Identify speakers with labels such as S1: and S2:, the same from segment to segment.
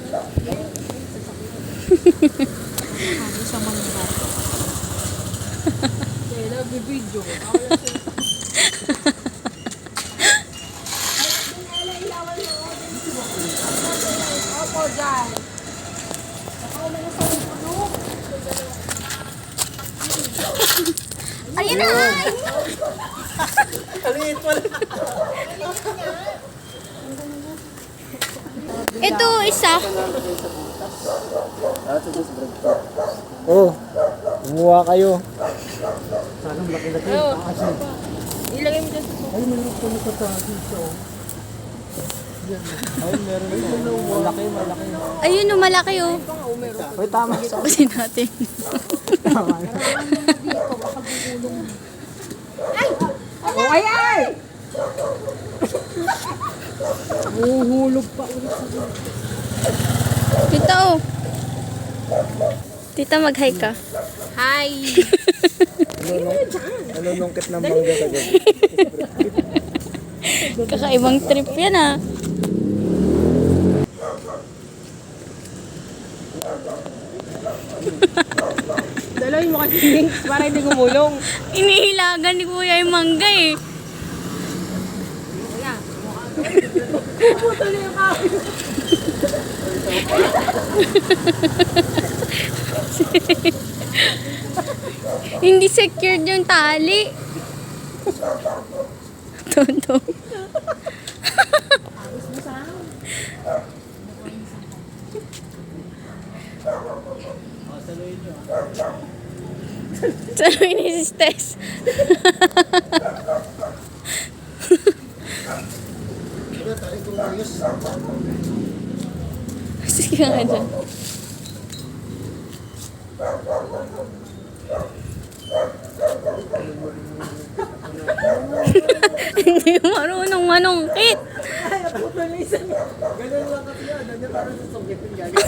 S1: Ano sa mga kaya video. Opo, dyan.
S2: Ayun na!
S3: Kaliit mo lang.
S2: Ito, isa.
S3: Oh, kumuha kayo. Sana laki-laki yung taas eh.
S1: Ilagay mo dyan.
S3: Ay, meron ko na taas dito. Ay, meron na. Malaki, malaki.
S2: Ayun, malaki oh.
S3: Uy, tama.
S2: Sabasin natin.
S3: Tama.
S1: Oh, ay, ay! Huhulog pa ulit sa
S2: Tita oh. Tita, mag-hi ka.
S1: Hi!
S3: Nalulungkit ng mangga sa gabi.
S2: Kakaibang trip yan ah.
S1: Dalawin mo kasi links para hindi gumulong.
S2: Inihilagan ni Kuya yung mangga eh.
S1: Putol yung kawin.
S2: Hindi secured yung tali. Tonto. Saluhin ni si Tess. Sige nga dyan. Hindi marunong manungkit.
S1: Putol yung isa.
S3: Ganun lang kasi yan. Nandiyan parang sa sungkit yung gagawin.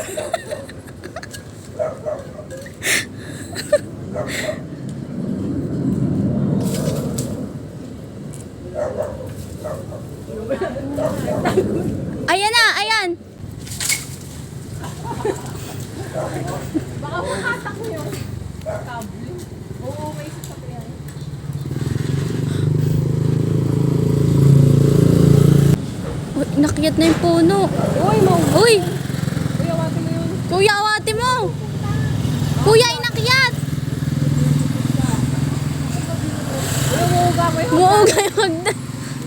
S2: Ayan na, ayan.
S1: Baka makatak mo yung kable. Oo, may isa pa yan.
S2: Uy, nakyat na yung puno.
S1: Uy, mo.
S2: Uy,
S1: Uy, awatin mo yun.
S2: kuya, awati mo. Kuya, inakyat.
S1: Uy, umuuga mo yun.
S2: Muuga yung hagdan.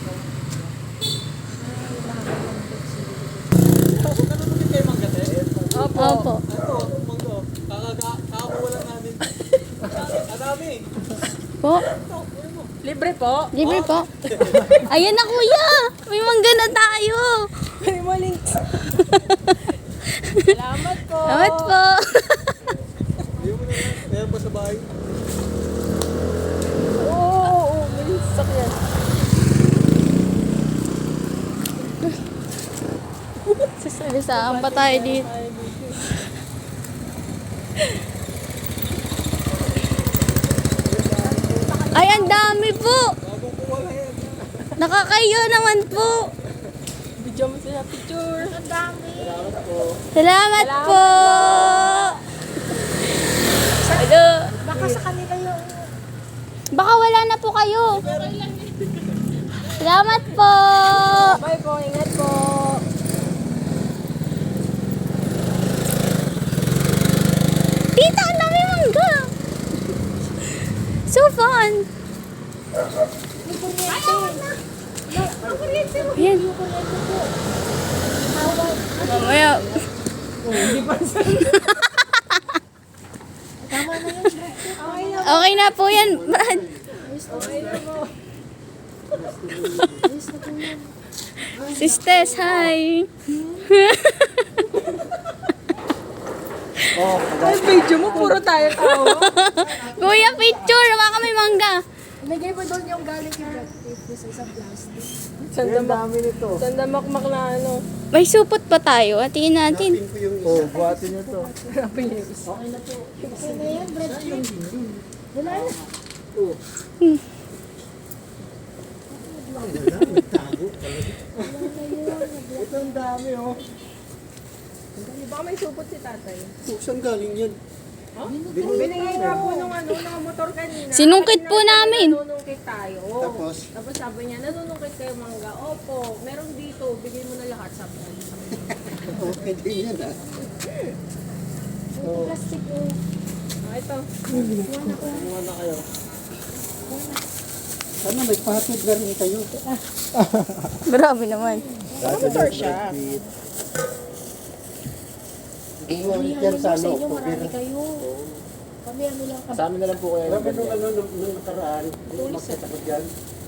S3: Nalulungkit kayo mangga, te?
S1: Opo.
S2: Opo.
S3: Ito, mangga. Kakakuha lang namin. Adami.
S2: Po,
S1: Libre po.
S2: libre po. Ayan na kuya. May mangga na tayo.
S1: Uy, mo links. Salamat po.
S2: Salamat po.
S3: Ayaw mo na yan. Meron pa sa bahay.
S1: Oo, may sakyan.
S2: Sasalisaan pa tayo dito. Ay, ang dami po.
S3: Bagong kuha lang yan.
S2: Nakakayo naman po.
S1: Video mo sila picture. Ang dami.
S2: Salamat po. Hello.
S1: Baka sa kanila yung...
S2: Baka wala na po kayo. Salamat po.
S1: Bye po, ingat po.
S2: Tita, ang dami mangga. So fun. Yan. Mamaya. Okay na po yan, Brad. Sisters, hi.
S3: Oh,
S1: Ay, video mo, puro tayo tao.
S2: Kuya, picture. Baka may mangga.
S4: Lagay mo doon yung galing kay Brad Pitt sa isang plastic.
S3: ang dami nito.
S1: Sandamakmak na ano.
S2: May supot pa tayo. Hatiin natin.
S3: Oh, buhatin nyo to.
S4: Okay na yan, Brad Pitt. Wala na.
S3: Ito ang dami, oh.
S1: Di ba may supot si tatay?
S3: Saan galing yan?
S1: Huh? Binigay nga po nung motor kanina.
S2: Sinungkit po namin.
S1: Nanunungkit tayo.
S3: Tapos?
S1: Tapos sabi niya, nanunungkit kayo mangga. Opo, meron dito. Bigay mo na lahat, sabi niya.
S3: Okay din yan ah.
S4: Plastic oh.
S1: Ito.
S3: Kumuha na kayo. Sana may pahatid na rin kayo.
S2: Grabe naman.
S1: Motor siya.
S3: Ulit yan sa ano.
S4: Marami kayo. Kami ano lang kami.
S3: Sa amin na lang po kayo. Grabe nung nakaraan. Magkita ko dyan.